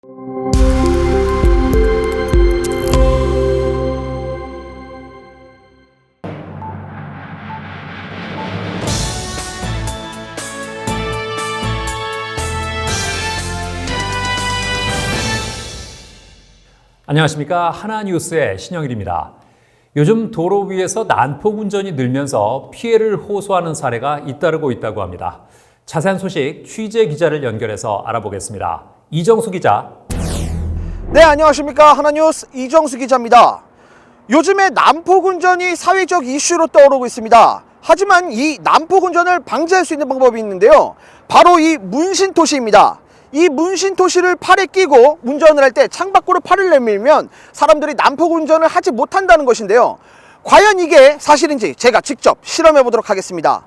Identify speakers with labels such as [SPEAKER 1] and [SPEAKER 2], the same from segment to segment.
[SPEAKER 1] 안녕하십니까. 하나뉴스의 신영일입니다. 요즘 도로 위에서 난폭 운전이 늘면서 피해를 호소하는 사례가 잇따르고 있다고 합니다. 자세한 소식 취재 기자를 연결해서 알아보겠습니다. 이정수 기자.
[SPEAKER 2] 네, 안녕하십니까. 하나뉴스 이정수 기자입니다. 요즘에 난폭 운전이 사회적 이슈로 떠오르고 있습니다. 하지만 이 난폭 운전을 방지할 수 있는 방법이 있는데요. 바로 이 문신토시입니다. 이 문신토시를 팔에 끼고 운전을 할 때 창밖으로 팔을 내밀면 사람들이 난폭 운전을 하지 못한다는 것인데요. 과연 이게 사실인지 제가 직접 실험해 보도록 하겠습니다.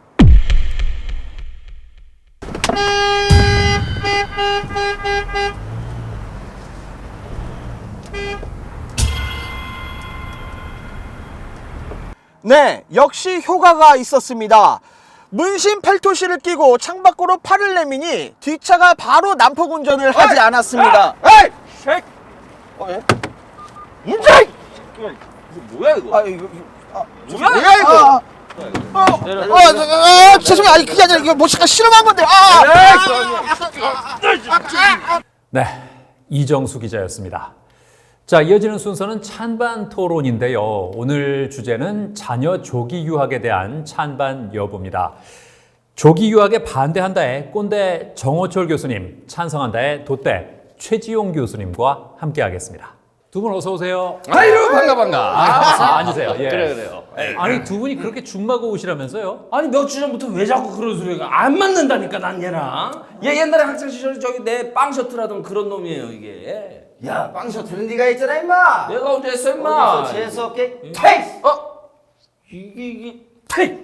[SPEAKER 2] 네, 역시 효과가 있었습니다. 문신 팔토시를 끼고 창밖으로 팔을 내미니 뒷차가 바로 난폭 운전을 하지 않았습니다.
[SPEAKER 3] 에이! 쉐이크! 예? 문제! 이거 뭐야 이거? 뭐야 이거?
[SPEAKER 2] 죄송해요. 아니 그게 아니라 이거 모시가 실험한 건데.
[SPEAKER 1] 네, 이정수 기자였습니다. 자, 이어지는 순서는 찬반 토론인데요. 오늘 주제는 자녀 조기 유학에 대한 찬반 여부입니다. 조기 유학에 반대한다의 꼰대 정호철 교수님, 찬성한다의 돛대 최지용 교수님과 함께하겠습니다. 두 분 어서 오세요.
[SPEAKER 3] 아이고 반가.
[SPEAKER 1] 앉으세요. 예.
[SPEAKER 3] 그래요.
[SPEAKER 1] 아니 두 분이 그렇게 죽마고 오시라면서요?
[SPEAKER 4] 아니 몇 주 전부터 왜 자꾸 그런 소리가 안 맞는다니까 난 얘랑. 얘 옛날에 학창 시절에 저기 내 빵 셔틀하던 그런 놈이에요 이게.
[SPEAKER 3] 야, 빵 셔틀은 네가 했잖아 임마.
[SPEAKER 4] 내가 언제 했어 임마.
[SPEAKER 3] 어디서 재수없게 테이스.
[SPEAKER 4] 이게 퇴.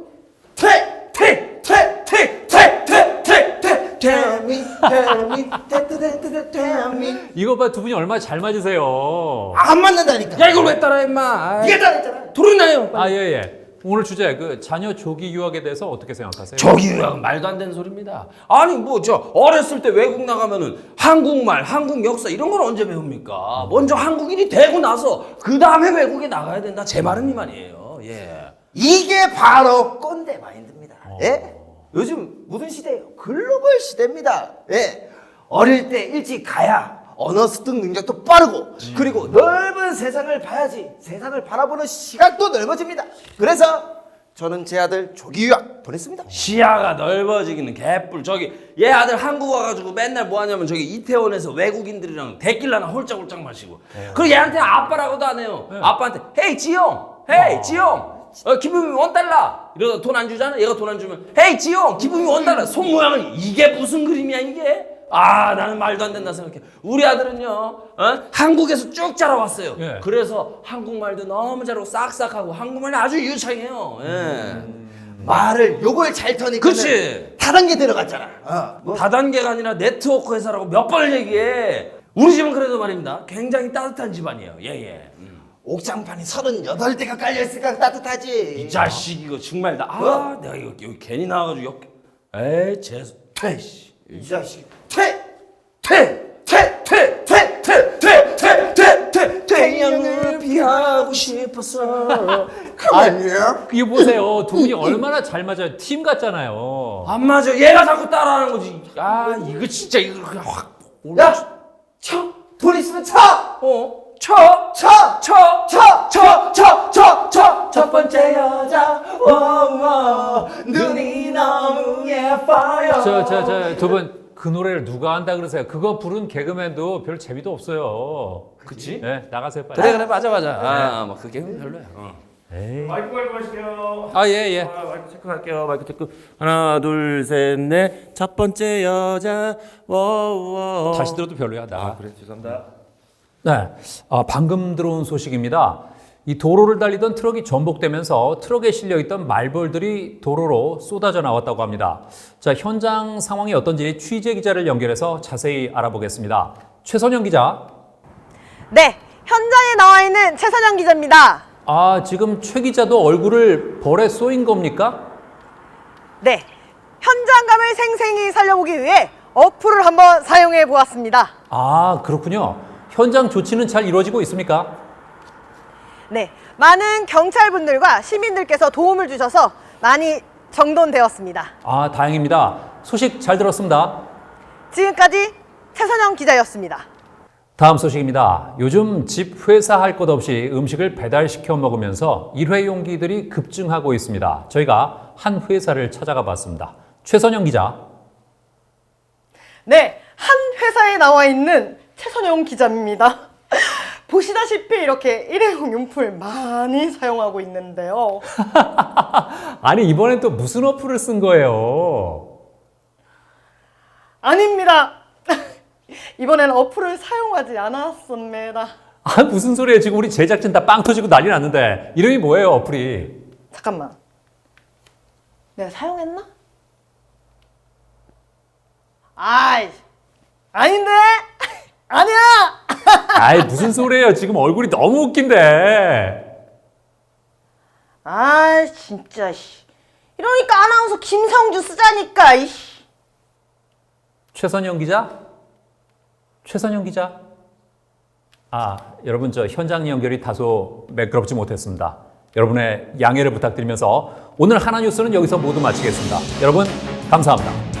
[SPEAKER 1] 이거 봐, 두 분이 얼마나 잘 맞으세요.
[SPEAKER 3] 안 맞는다니까.
[SPEAKER 4] 야 이걸 왜 따라 임마.
[SPEAKER 3] 네가 따라했잖아.
[SPEAKER 4] 도둑 나요.
[SPEAKER 1] 아, 예. 오늘 주제 그 자녀 조기 유학에 대해서 어떻게 생각하세요?
[SPEAKER 4] 조기 유학은 말도 안 되는 소리입니다. 아니 뭐 저 어렸을 때 외국 나가면은 한국말, 한국 역사 이런 걸 언제 배웁니까? 먼저 한국인이 되고 나서 그 다음에 외국에 나가야 된다. 제 말은 이 말이에요. 예.
[SPEAKER 3] 이게 바로 꼰대 마인드입니다. 예? 요즘 무슨 시대예요? 글로벌 시대입니다. 예. 어릴 때 일찍 가야 언어 습득 능력도 빠르고 그리고 넓은 세상을 봐야지 세상을 바라보는 시각도 넓어집니다. 그래서 저는 제 아들 조기 유학 보냈습니다.
[SPEAKER 4] 시야가 넓어지기는 개뿔. 저기 얘 아들 한국 와가지고 맨날 뭐 하냐면 저기 이태원에서 외국인들이랑 데킬라나 홀짝홀짝 마시고 그리고 얘한테 아빠라고도 안 해요. 아빠한테 헤이 지용, 헤이 지용, 기부금이 $1 이러다 돈 안 주잖아. 얘가 돈 안 주면 헤이 지용, 기부금이 $1. 손 모양은 이게 무슨 그림이야 이게? 아, 나는 말도 안 된다 생각해. 우리 아들은요, 한국에서 쭉 자라왔어요.
[SPEAKER 1] 예.
[SPEAKER 4] 그래서 한국말도 너무 잘하고 싹싹하고 한국말이 아주 유창해요. 예.
[SPEAKER 3] 말을 요걸 잘 터니까
[SPEAKER 4] 그치?
[SPEAKER 3] 다단계 들어갔잖아. 뭐
[SPEAKER 4] 다단계가 아니라 네트워크 회사라고 몇 번을 얘기해. 우리 집은 그래도 말입니다. 굉장히 따뜻한 집안이에요. 예.
[SPEAKER 3] 옥장판이 38대가 깔려있으니까 따뜻하지.
[SPEAKER 4] 이 자식 이거 정말
[SPEAKER 3] 뭐?
[SPEAKER 4] 내가 이거 여기 괜히 나와가지고 에이 재수 퇴씨
[SPEAKER 3] 이 자식
[SPEAKER 4] 태양을 피하고 싶었어.
[SPEAKER 3] 아니야?
[SPEAKER 1] 이거 보세요. 두 분이 얼마나 잘 맞아요. 팀 같잖아요.
[SPEAKER 4] 안 맞아. 얘가 자꾸 따라하는 거지. 아 이거 진짜 이거 그냥 확
[SPEAKER 3] 야! 쳐! 돈 있으면 쳐! 첫 번째 여자 눈이 너무 예뻐요.
[SPEAKER 1] 두 분 그 노래를 누가 한다 그러세요? 그거 부른 개그맨도 별 재미도 없어요.
[SPEAKER 4] 그치?
[SPEAKER 1] 네, 나가세요 빨리.
[SPEAKER 4] 그래 맞아. 뭐 그게 별로야.
[SPEAKER 1] 에이.
[SPEAKER 5] 마이크 하실게요.
[SPEAKER 1] 아, 예.
[SPEAKER 5] 마이크 체크할게요. 마이크 체크. 하나, 둘, 셋, 넷. 첫 번째 여자. 워워.
[SPEAKER 1] 다시 들어도 별로야, 나.
[SPEAKER 5] 아, 그래. 죄송합니다.
[SPEAKER 1] 네, 방금 들어온 소식입니다. 이 도로를 달리던 트럭이 전복되면서 트럭에 실려있던 말벌들이 도로로 쏟아져 나왔다고 합니다. 자, 현장 상황이 어떤지 취재 기자를 연결해서 자세히 알아보겠습니다. 최선영 기자.
[SPEAKER 6] 네, 현장에 나와 있는 최선영 기자입니다.
[SPEAKER 1] 아, 지금 최 기자도 얼굴을 벌에 쏘인 겁니까?
[SPEAKER 6] 네, 현장감을 생생히 살려보기 위해 어플을 한번 사용해 보았습니다.
[SPEAKER 1] 아, 그렇군요. 현장 조치는 잘 이루어지고 있습니까?
[SPEAKER 6] 네, 많은 경찰분들과 시민들께서 도움을 주셔서 많이 정돈되었습니다.
[SPEAKER 1] 아, 다행입니다. 소식 잘 들었습니다.
[SPEAKER 6] 지금까지 최선영 기자였습니다.
[SPEAKER 1] 다음 소식입니다. 요즘 집, 회사 할 것 없이 음식을 배달시켜 먹으면서 일회용기들이 급증하고 있습니다. 저희가 한 회사를 찾아가 봤습니다. 최선영 기자.
[SPEAKER 6] 네, 한 회사에 나와 있는 최선영 기자입니다. 보시다시피 이렇게 일회용 용품을 많이 사용하고 있는데요.
[SPEAKER 1] 아니, 이번엔 또 무슨 어플을 쓴 거예요?
[SPEAKER 6] 아닙니다. 이번엔 어플을 사용하지 않았습니다.
[SPEAKER 1] 아, 무슨 소리예요? 지금 우리 제작진 다 빵 터지고 난리 났는데. 이름이 뭐예요, 어플이?
[SPEAKER 6] 잠깐만. 내가 사용했나? 아이, 아닌데? 아니야!
[SPEAKER 1] 아이, 무슨 소리예요? 지금 얼굴이 너무 웃긴데.
[SPEAKER 6] 아, 진짜, 씨. 이러니까 아나운서 김성주 쓰자니까, 이씨.
[SPEAKER 1] 최선영 기자? 최선영 기자? 아, 여러분, 저 현장 연결이 다소 매끄럽지 못했습니다. 여러분의 양해를 부탁드리면서 오늘 하나뉴스는 여기서 모두 마치겠습니다. 여러분, 감사합니다.